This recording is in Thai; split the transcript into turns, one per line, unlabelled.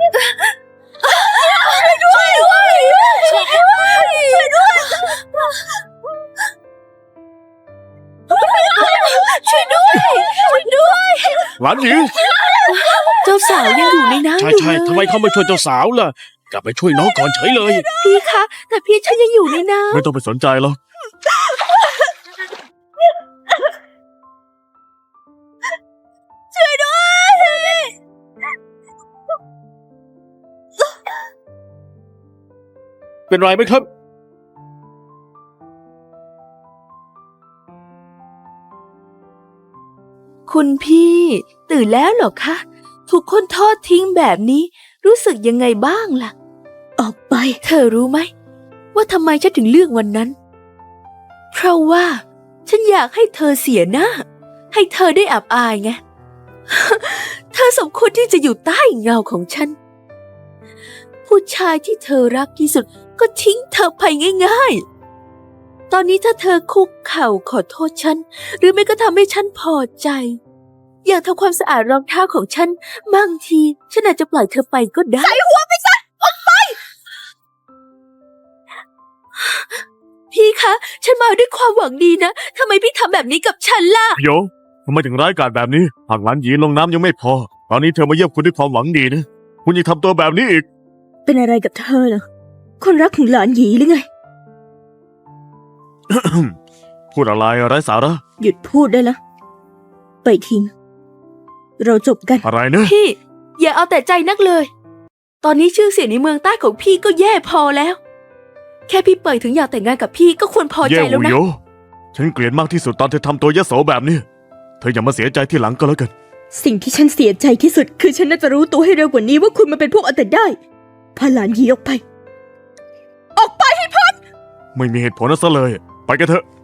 หลานหญิง
เจ้าสาวยังอยู่ในน้ำอยู่เลย
ใช่ทำไมเขาไม่ช่วยเจ้าสาวล่ะกลับไปช่วยน้องก่อนเฉยเลย
พี่คะแต่พี่ฉันยังอยู่ในน้ำ
ไม่ต้องไปสนใจหรอกเป็นไรไหมครับ
คุณพี่ตื่นแล้วเหรอคะถูกคนทอดทิ้งแบบนี้รู้สึกยังไงบ้างล่ะออกไปเธอรู้ไหมว่าทำไมฉันถึงเลือกวันนั้นเพราะว่าฉันอยากให้เธอเสียหน้าให้เธอได้อับอายไง เธอสมควรที่จะอยู่ใต้เงาของฉันผู้ชายที่เธอรักที่สุดก็ทิ้งเธอไปง่ายๆตอนนี้ถ้าเธอคุกเข่าขอโทษฉันหรือไม่ก็ทำให้ฉันพอใจอยากทำความสะอาดรองเท้าของฉันบางทีฉันอาจจะปล่อยเธอไปก็ได้ใส่หัวไปซะออกไปพี่คะฉันมาด้วยความหวังดีนะทำไมพี่ทำแบบนี้กับฉันล่ะ
โยทำไมถึงร้ายกาจแบบนี้หากหลานหยีลงน้ำยังไม่พอตอนนี้เธอมาเยี่ยมคุณด้วยความหวังดีนะคุณยังทำตัวแบบนี้อีก
เป็นอะไรกับเธอเหรอคนรักของหลานหยีหรือไง
พูดอะไรไร้สาระ
หยุดพูดได้แล้วไปทิ้งเราจบกัน
อะไรนะ
พี่อย่าเอาแต่ใจนักเลยตอนนี้ชื่อเสียงในเมืองใต้ของพี่ก็แย่พอแล้วแค่พี่เปิดถึงอยากแต่งงานกับพี่ก็ควรพอใจแล้วนะ
ฉันเกลียดมากที่สุดตอนเธอทำตัวยโสแบบนี้เธออย่ามาเสียใจที่หลังก็แล้วกัน
สิ่งที่ฉันเสียใจที่สุดคือฉันน่าจะรู้ตัวให้เร็วกว่านี้ว่าคุณมันเป็นพวกเอาแต่ได้พาหลานหยีออกไปให้พ้น
ไม่มีเหตุผลนั่นซะเลยไปกันเถอะ